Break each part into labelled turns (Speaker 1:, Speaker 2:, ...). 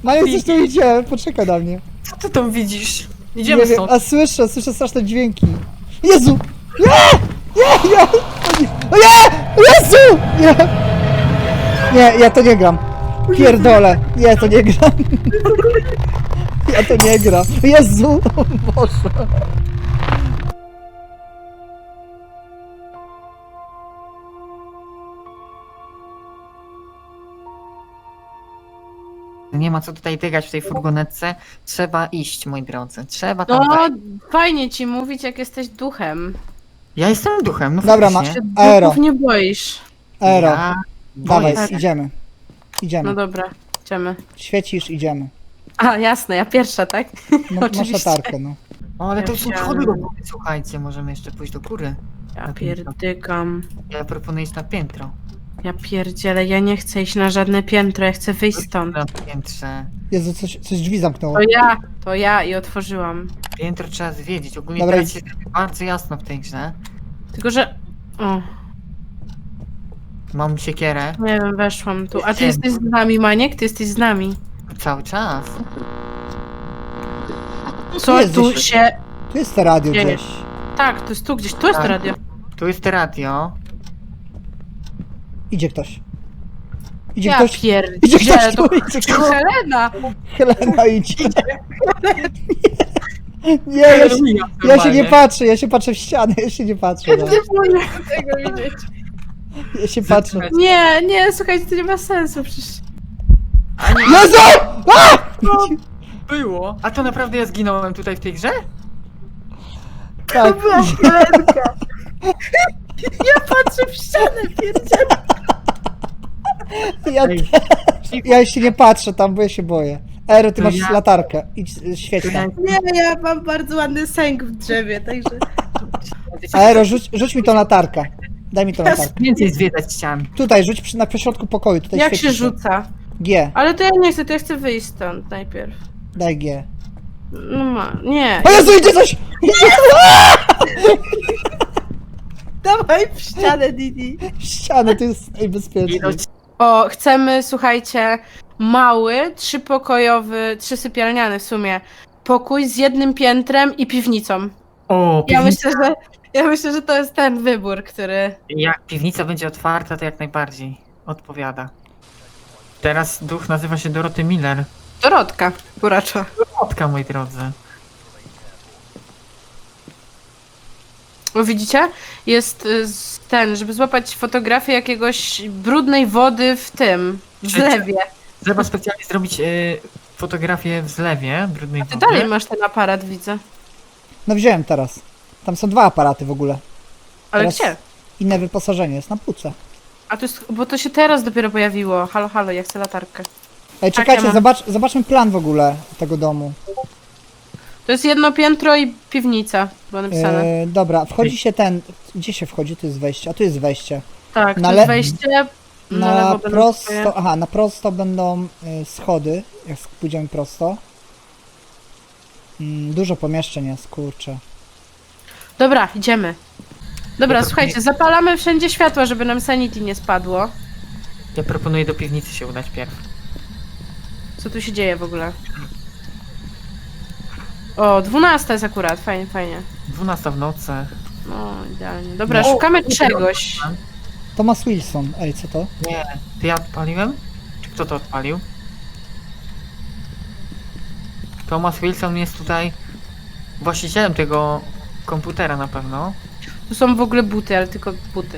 Speaker 1: Maja, coś tu idzie, poczekaj na mnie.
Speaker 2: Co ty tam widzisz? Idziemy
Speaker 1: Nie wiem,
Speaker 2: stąd.
Speaker 1: a słyszę straszne dźwięki. Jezu! Nie! Nie! Nie! O nie! Jezu! Nie! Nie, ja to nie gram. Pierdolę. Nie, to nie gram. Ja to nie gram. Jezu! O Boże.
Speaker 2: Nie ma co tutaj tygać w tej furgonetce. Trzeba iść, moi drodzy. Trzeba tam
Speaker 3: No,
Speaker 2: wejść.
Speaker 3: fajnie ci mówić, jak jesteś duchem.
Speaker 2: Ja jestem duchem, no
Speaker 1: Dobra,
Speaker 2: faktycznie.
Speaker 1: Aero.
Speaker 3: Duchów nie boisz.
Speaker 1: Ero.
Speaker 2: Ja
Speaker 1: Dawaj,
Speaker 2: boję się.
Speaker 1: idziemy.
Speaker 3: No
Speaker 1: Idziemy.
Speaker 3: dobra, idziemy.
Speaker 1: Świecisz, idziemy.
Speaker 3: A, jasne, ja pierwsza, tak?
Speaker 1: No, masz
Speaker 3: Oczywiście.
Speaker 1: latarkę, no.
Speaker 2: O, ale to
Speaker 3: Ja
Speaker 2: są
Speaker 3: chciałam-
Speaker 2: schody do góry. Słuchajcie, możemy jeszcze pójść do góry.
Speaker 3: Ja pierdykam.
Speaker 2: Ja proponuję iść na piętro.
Speaker 3: Ja pierdzielę, ja nie chcę iść na żadne piętro, ja chcę wyjść stąd.
Speaker 2: Na piętrze.
Speaker 1: Jezu, coś drzwi zamknęło.
Speaker 3: To ja i otworzyłam.
Speaker 2: Piętro trzeba zwiedzić. Ogólnie
Speaker 1: Dobra,
Speaker 2: teraz
Speaker 1: idź.
Speaker 2: jest bardzo jasno w tej grze.
Speaker 3: Tylko, że... O,
Speaker 2: Mam siekierę
Speaker 3: nie wiem, weszłam tu. A ty
Speaker 2: Ciemno.
Speaker 3: jesteś z nami, Maniek? Ty jesteś z nami.
Speaker 2: cały czas.
Speaker 3: Co
Speaker 1: jest
Speaker 3: tu
Speaker 1: gdzieś.
Speaker 3: się...
Speaker 1: Tu jest to radio
Speaker 3: Dzieje.
Speaker 1: gdzieś.
Speaker 3: Tak, to jest tu gdzieś, tu jest to
Speaker 2: Tak.
Speaker 3: radio.
Speaker 2: Tu jest radio.
Speaker 1: Idzie ktoś. Idzie
Speaker 3: Ja
Speaker 1: ktoś.
Speaker 3: pierdzielę,
Speaker 1: Idzie ktoś
Speaker 3: to
Speaker 1: tu, idzie ktoś.
Speaker 3: Helena!
Speaker 1: Helena idzie. Nie, ja się nie patrzę, ja się patrzę w ścianę, ja się nie patrzę. No.
Speaker 3: Nie mogę tego widzieć.
Speaker 1: Ja się patrzę.
Speaker 3: Nie, słuchajcie, to nie ma sensu przecież.
Speaker 1: Jezu! A!
Speaker 2: Było. A to naprawdę ja zginąłem tutaj w tej grze?
Speaker 1: Tak.
Speaker 3: Patrzę w ścianę, pierdzielę.
Speaker 1: Ja,
Speaker 2: Ej.
Speaker 1: ja się nie patrzę tam, bo ja się boję. Ero, ty
Speaker 2: To
Speaker 1: masz
Speaker 2: ja-
Speaker 1: latarkę. Idź, świeć
Speaker 2: To ja-
Speaker 1: tam.
Speaker 3: Nie, ja mam bardzo ładny sęk w drzewie, także...
Speaker 1: Aero, rzuć mi tą latarkę. Daj mi tą latarkę.
Speaker 2: Więcej zwiedzać ścian.
Speaker 1: Tutaj, rzuć na pośrodku pokoju. Tutaj
Speaker 3: Jak
Speaker 1: świeci
Speaker 3: się rzuca?
Speaker 1: G.
Speaker 3: Ale to ja nie chcę, to ja chcę wyjść stąd najpierw.
Speaker 1: Daj G.
Speaker 3: No ma, nie.
Speaker 1: O Jezu, idzie coś!
Speaker 3: Dawaj w ścianę, Didi.
Speaker 1: Ścianę, to jest najbezpieczniej.
Speaker 2: Ilość-
Speaker 3: O, chcemy, słuchajcie, mały, trzypokojowy, trzysypialniany w sumie, pokój z jednym piętrem i piwnicą.
Speaker 2: O,
Speaker 3: Ja
Speaker 2: piwnica.
Speaker 3: myślę, że to jest ten wybór, który...
Speaker 2: Jak piwnica będzie otwarta, to jak najbardziej odpowiada. Teraz duch nazywa się Doroty Miller.
Speaker 3: Dorotka, kuracza.
Speaker 2: Dorotka, moi drodzy.
Speaker 3: O, widzicie? Jest ten, żeby złapać fotografię jakiegoś brudnej wody w tym, w
Speaker 2: Czy-
Speaker 3: zlewie.
Speaker 2: Trzeba specjalnie zrobić fotografię w zlewie brudnej
Speaker 3: Ty
Speaker 2: wody.
Speaker 3: dalej masz ten aparat, widzę.
Speaker 1: No wziąłem teraz. Tam są dwa aparaty w ogóle.
Speaker 3: Ale
Speaker 1: Teraz
Speaker 3: gdzie?
Speaker 1: Inne wyposażenie, jest na półce.
Speaker 3: A to jest, bo to się teraz dopiero pojawiło. Halo, halo, ja chcę latarkę.
Speaker 1: Ej,
Speaker 3: Tak,
Speaker 1: czekajcie,
Speaker 3: ja mam.
Speaker 1: zobaczmy plan w ogóle tego domu.
Speaker 3: To jest jedno piętro i piwnica, było napisane.
Speaker 1: Dobra, wchodzi się ten... Gdzie się wchodzi? Tu jest wejście, a tu jest wejście.
Speaker 3: Tak,
Speaker 1: na
Speaker 3: to
Speaker 1: le-
Speaker 3: jest wejście. Na lewo będą swoje.
Speaker 1: prosto, aha, na prosto będą schody, jak pójdziemy prosto. Dużo pomieszczeń jest, kurczę.
Speaker 3: Dobra, idziemy. Dobra,
Speaker 2: Ja to-
Speaker 3: słuchajcie, zapalamy wszędzie światła, żeby nam sanity nie spadło.
Speaker 2: Ja proponuję do piwnicy się udać pierw.
Speaker 3: Co tu się dzieje w ogóle? O, 12 jest akurat, fajnie, fajnie.
Speaker 2: 12 w nocy.
Speaker 3: No, idealnie. Dobra,
Speaker 2: No.
Speaker 3: szukamy czegoś.
Speaker 1: Thomas Wilson, ej, co to?
Speaker 2: Nie, to ja odpaliłem? Czy kto to odpalił? Thomas Wilson jest tutaj właścicielem tego komputera na pewno.
Speaker 3: Tu są w ogóle buty, ale tylko buty.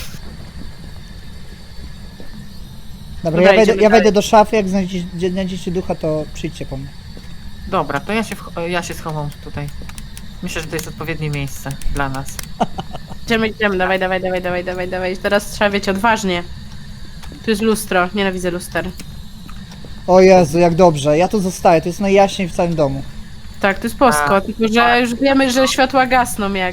Speaker 1: Dobra,
Speaker 3: Dobra,
Speaker 1: ja
Speaker 3: idziemy
Speaker 1: wejdę
Speaker 3: dalej.
Speaker 1: do szafy, jak znajdziecie ducha, to przyjdźcie po mnie.
Speaker 2: Dobra, to ja się schowam tutaj. Myślę, że to jest odpowiednie miejsce dla nas.
Speaker 3: Idziemy, dawaj. Teraz trzeba, wiecie, odważnie. Tu jest lustro, nienawidzę luster.
Speaker 1: O Jezu, jak dobrze, ja tu zostaję, to jest najjaśniej w całym domu.
Speaker 3: Tak, to jest posko,
Speaker 2: A,
Speaker 3: tylko że już wiemy, że światła gasną, jak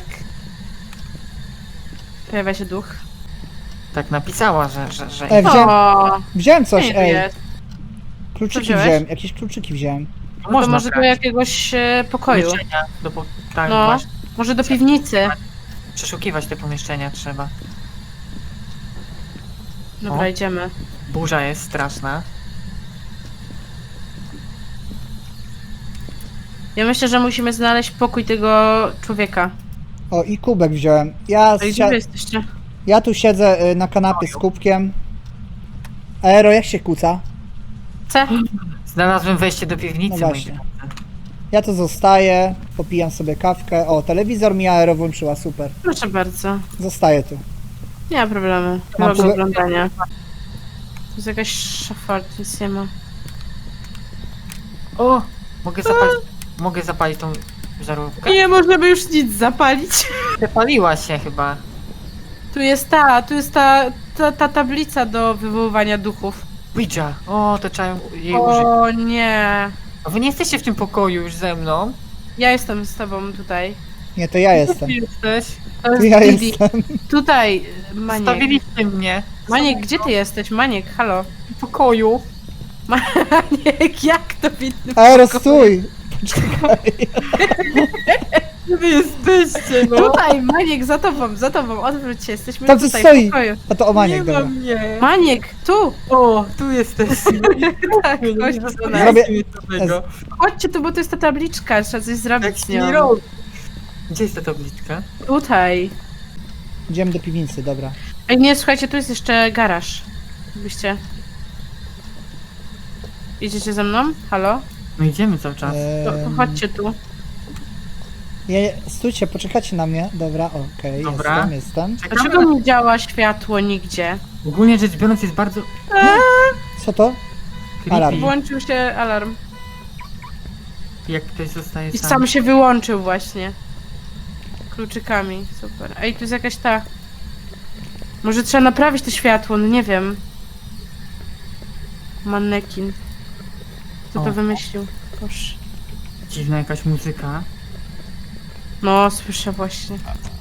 Speaker 3: pojawia się duch.
Speaker 2: Tak napisała, że...
Speaker 1: Wziąłem coś,
Speaker 3: nie
Speaker 1: ej,
Speaker 3: jest.
Speaker 1: kluczyki
Speaker 3: wziąłeś?
Speaker 1: wziąłem, jakieś kluczyki wziąłem.
Speaker 3: To
Speaker 2: można
Speaker 3: może do
Speaker 2: brać.
Speaker 3: jakiegoś pokoju.
Speaker 2: Pomieszczenia tak,
Speaker 3: No.
Speaker 2: właśnie.
Speaker 3: Może do piwnicy.
Speaker 2: Przeszukiwać te pomieszczenia trzeba.
Speaker 3: Dobra,
Speaker 2: O.
Speaker 3: idziemy.
Speaker 2: Burza jest straszna.
Speaker 3: Ja myślę, że musimy znaleźć pokój tego człowieka.
Speaker 1: O, i kubek wziąłem.
Speaker 3: Ej, gdzie wy jesteście?
Speaker 1: Ja tu siedzę na kanapie z kubkiem. Aero, jak się kłóca?
Speaker 3: C?
Speaker 2: Znalazłem wejście do piwnicy,
Speaker 1: No
Speaker 2: moi
Speaker 1: właśnie.
Speaker 2: drodzy.
Speaker 1: Ja tu zostaję, popijam sobie kawkę. O, telewizor mi Aero włączyła, super.
Speaker 3: Proszę bardzo.
Speaker 1: Zostaję tu.
Speaker 3: Nie ma problemu.
Speaker 1: Mam
Speaker 3: Nie ma
Speaker 1: kubek-
Speaker 3: oglądania. Tu jest jakaś szafa, nic nie ma.
Speaker 2: O! Mogę zapalić tą żarówkę?
Speaker 3: Nie możemy już nic zapalić.
Speaker 2: Przepaliła się chyba.
Speaker 3: Tu jest ta tablica do wywoływania duchów.
Speaker 2: Ouija! O, to trzeba jej użyć.
Speaker 3: O nie.
Speaker 2: A wy nie jesteście w tym pokoju już ze mną?
Speaker 3: Ja jestem z tobą tutaj.
Speaker 1: Nie, to ja jestem.
Speaker 2: Gdzie jesteś?
Speaker 3: To jest
Speaker 1: Ja
Speaker 3: Didi.
Speaker 1: jestem.
Speaker 3: Tutaj, Maniek.
Speaker 2: Stawiliście mnie.
Speaker 3: Maniek, gdzie ty jesteś? Maniek, halo.
Speaker 2: W pokoju.
Speaker 3: Maniek, jak to widno?
Speaker 1: Aero, stój! Poczekaj.
Speaker 2: Gdzie wy jesteście, no?
Speaker 3: Tutaj, Maniek, za tobą, odwróć się, jesteśmy
Speaker 1: Tam coś
Speaker 3: tutaj
Speaker 1: stoi.
Speaker 3: w pokoju.
Speaker 1: A to o
Speaker 2: Nie
Speaker 1: Maniek,
Speaker 2: ma
Speaker 1: dobra.
Speaker 2: mnie.
Speaker 3: Maniek, tu!
Speaker 2: O, tu jesteście.
Speaker 3: Tak, chodź do nas.
Speaker 1: Zrobię-
Speaker 2: tego.
Speaker 3: Chodźcie tu, bo to jest ta tabliczka, trzeba coś zrobić
Speaker 2: Jak
Speaker 3: z
Speaker 2: nie
Speaker 3: nią.
Speaker 2: robi. Gdzie jest ta tabliczka?
Speaker 3: Tutaj.
Speaker 1: Idziemy do piwnicy, dobra.
Speaker 3: Ej, nie, słuchajcie, tu jest jeszcze garaż. Byście. Idziecie ze mną? Halo?
Speaker 2: No idziemy cały czas.
Speaker 3: To chodźcie tu.
Speaker 1: Stójcie, poczekajcie na mnie. Dobra, okej,
Speaker 2: Dobra.
Speaker 1: jestem.
Speaker 2: Czekamy
Speaker 3: Dlaczego
Speaker 2: na...
Speaker 3: nie działa światło nigdzie?
Speaker 2: Ogólnie rzecz biorąc jest bardzo
Speaker 1: Co to?
Speaker 2: creepy.
Speaker 1: Alarm.
Speaker 3: Włączył się alarm.
Speaker 2: Jak ktoś zostaje
Speaker 3: I
Speaker 2: sam.
Speaker 3: sam się wyłączył właśnie. Kluczykami, super. Ej, tu jest jakaś ta... Może trzeba naprawić to światło, no nie wiem. Mannekin. Kto
Speaker 2: O.
Speaker 3: to wymyślił? Boże.
Speaker 2: Dziwna jakaś muzyka.
Speaker 3: No, słyszę właśnie.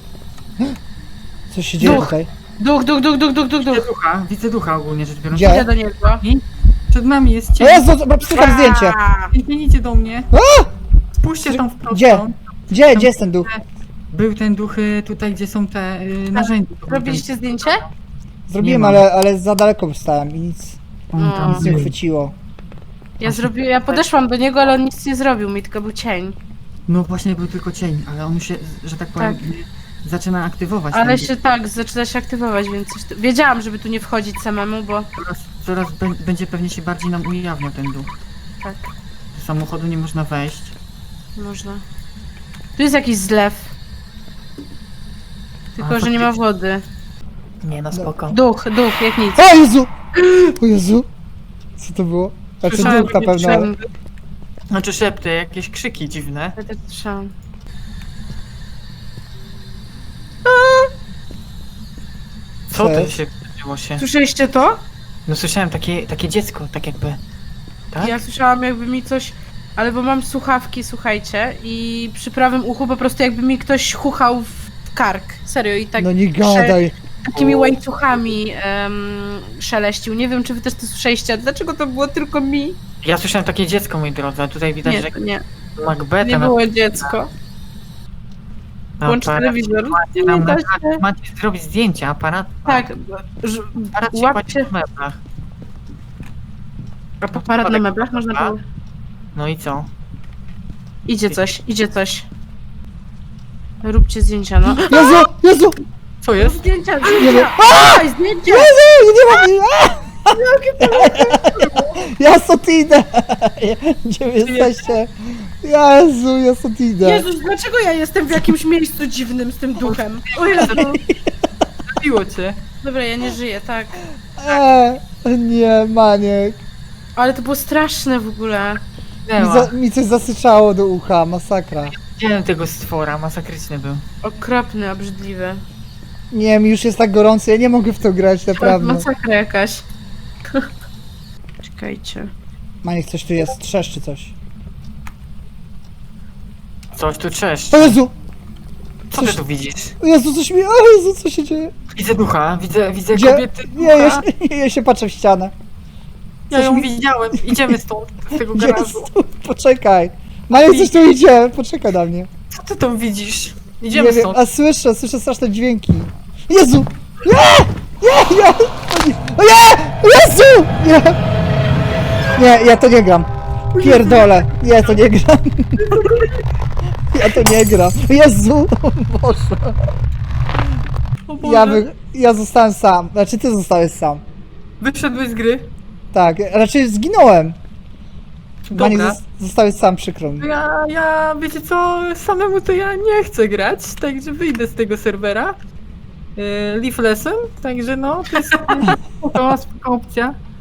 Speaker 1: Co się dzieje
Speaker 3: Duch.
Speaker 1: tutaj?
Speaker 3: Duch.
Speaker 2: Widzę ducha ogólnie rzecz biorąc.
Speaker 1: Gdzie?
Speaker 3: Idę do niego.
Speaker 2: Przed nami jest
Speaker 1: O
Speaker 2: cień.
Speaker 1: Jezu, dobra, psycham zdjęcie.
Speaker 2: Nie idzie do mnie. Spójrzcie tam w prostą.
Speaker 1: Gdzie? Gdzie jest ten duch?
Speaker 2: Był ten duch tutaj, gdzie są te narzędzia.
Speaker 3: Robiliście zdjęcie?
Speaker 1: Zrobiłem,
Speaker 2: Nie ma.
Speaker 1: ale za daleko stałem i nic
Speaker 2: On tam
Speaker 3: No.
Speaker 1: nie
Speaker 2: był.
Speaker 1: chwyciło.
Speaker 3: Ja podeszłam do niego, ale on nic nie zrobił mi, tylko był cień.
Speaker 2: No właśnie był tylko cień, ale on się, że tak powiem, zaczyna aktywować.
Speaker 3: Ale
Speaker 2: ten
Speaker 3: się tak, zaczyna się aktywować, więc coś wiedziałam, żeby tu nie wchodzić samemu, bo
Speaker 2: Coraz będzie pewnie się bardziej nam ujawniał ten duch.
Speaker 3: tak,
Speaker 2: Do samochodu nie można wejść.
Speaker 3: można. Tu jest jakiś zlew. Tylko,
Speaker 2: A,
Speaker 3: że nie ma
Speaker 2: faktycznie.
Speaker 3: wody.
Speaker 2: Nie, no spoko.
Speaker 3: Duch, jak nic.
Speaker 1: O Jezu! O Jezu! Co to było? Znaczy
Speaker 3: Słyszałem
Speaker 1: duch na
Speaker 3: jakieś
Speaker 1: pewno. ale-
Speaker 3: szepty.
Speaker 2: Znaczy szepty, jakieś krzyki dziwne.
Speaker 3: Ja też słyszałam.
Speaker 2: Co
Speaker 1: Co
Speaker 2: to
Speaker 1: jest?
Speaker 2: się wydarzyło się?
Speaker 3: Słyszeliście to?
Speaker 2: No słyszałem takie dziecko, tak jakby. Tak?
Speaker 3: Ja słyszałam jakby mi coś... Ale bo mam słuchawki, słuchajcie, i przy prawym uchu po prostu jakby mi ktoś chuchał w kark. Serio, i tak
Speaker 1: No nie gadaj.
Speaker 3: takimi łańcuchami szeleścił. Nie wiem, czy wy też to słyszeliście. Dlaczego to było tylko mi?
Speaker 2: Ja słyszałem takie dziecko, moi drodzy, a tutaj widać,
Speaker 3: Nie,
Speaker 2: że
Speaker 3: to nie.
Speaker 2: Macbeta
Speaker 3: Nie było dziecko. Włącz telewizor. Nie
Speaker 2: Nam
Speaker 3: da
Speaker 2: na,
Speaker 3: się.
Speaker 2: macie zrobić zdjęcia, aparat.
Speaker 3: Tak,
Speaker 2: Aparat się
Speaker 3: łapcie-
Speaker 2: kładzie w meblach.
Speaker 3: aparat na meblach można było...
Speaker 2: No i co?
Speaker 3: Idzie coś. Róbcie zdjęcia, no.
Speaker 1: Jezu! Jezu!
Speaker 2: Co jest?
Speaker 3: Zdjęcia,
Speaker 1: Nie wiem.
Speaker 3: zdjęcia! Dawaj, zdjęcia!
Speaker 1: Jezu! Nie mam... Ja stąd idę! Gdzie wy jesteście? Jezu, ja stąd idę.
Speaker 3: Jezus, dlaczego ja jestem w jakimś miejscu dziwnym z tym duchem? O Jezu.
Speaker 2: Zabiło cię.
Speaker 3: Dobra, ja nie żyję, tak.
Speaker 1: Nie, Maniek.
Speaker 3: Ale to było straszne w ogóle.
Speaker 1: Mi coś zasyczało do ucha, masakra.
Speaker 2: Widziałem tego stwora, masakryczny był.
Speaker 3: Okropny, obrzydliwy.
Speaker 1: Nie, mi już jest tak gorąco, ja nie mogę w to grać, naprawdę.
Speaker 3: Masakra jakaś. Czekajcie.
Speaker 1: Maniek, coś tu jest, trzeszczy coś.
Speaker 2: Coś tu trzeszcz.
Speaker 1: O Jezu!
Speaker 2: Co ty tu widzisz?
Speaker 1: O Jezu, coś mi... O Jezu, co się dzieje?
Speaker 2: Widzę ducha, widzę
Speaker 1: Gdzie?
Speaker 2: kobiety
Speaker 1: Nie,
Speaker 2: ducha.
Speaker 1: ja się patrzę w ścianę.
Speaker 2: Ja
Speaker 1: coś
Speaker 2: ją
Speaker 1: mi-
Speaker 2: widziałem. Idziemy stąd, z tego
Speaker 1: Gdzie
Speaker 2: garażu.
Speaker 1: jest? Poczekaj. Maniek, coś tu idzie, poczekaj na mnie.
Speaker 2: Co ty tam widzisz? Idziemy
Speaker 1: Nie wiem,
Speaker 2: stąd.
Speaker 1: a słyszę straszne dźwięki. Jezu! Nie! Nie! O nie! O nie! Jezu! Nie! Nie, ja to nie gram. Pierdolę. Nie, to nie gram. Ja to nie gram. Jezu! Boże.
Speaker 2: O Boże.
Speaker 1: Ja zostałem sam. Znaczy ty zostałeś sam.
Speaker 2: Wyszedłeś z gry?
Speaker 1: Tak, raczej zginąłem. Mani,
Speaker 2: Dobra.
Speaker 1: zostałeś sam, przykro mi.
Speaker 2: Wiecie co, samemu to ja nie chcę grać, także wyjdę z tego serwera. Leave lesson, także no, to jest spoko opcja.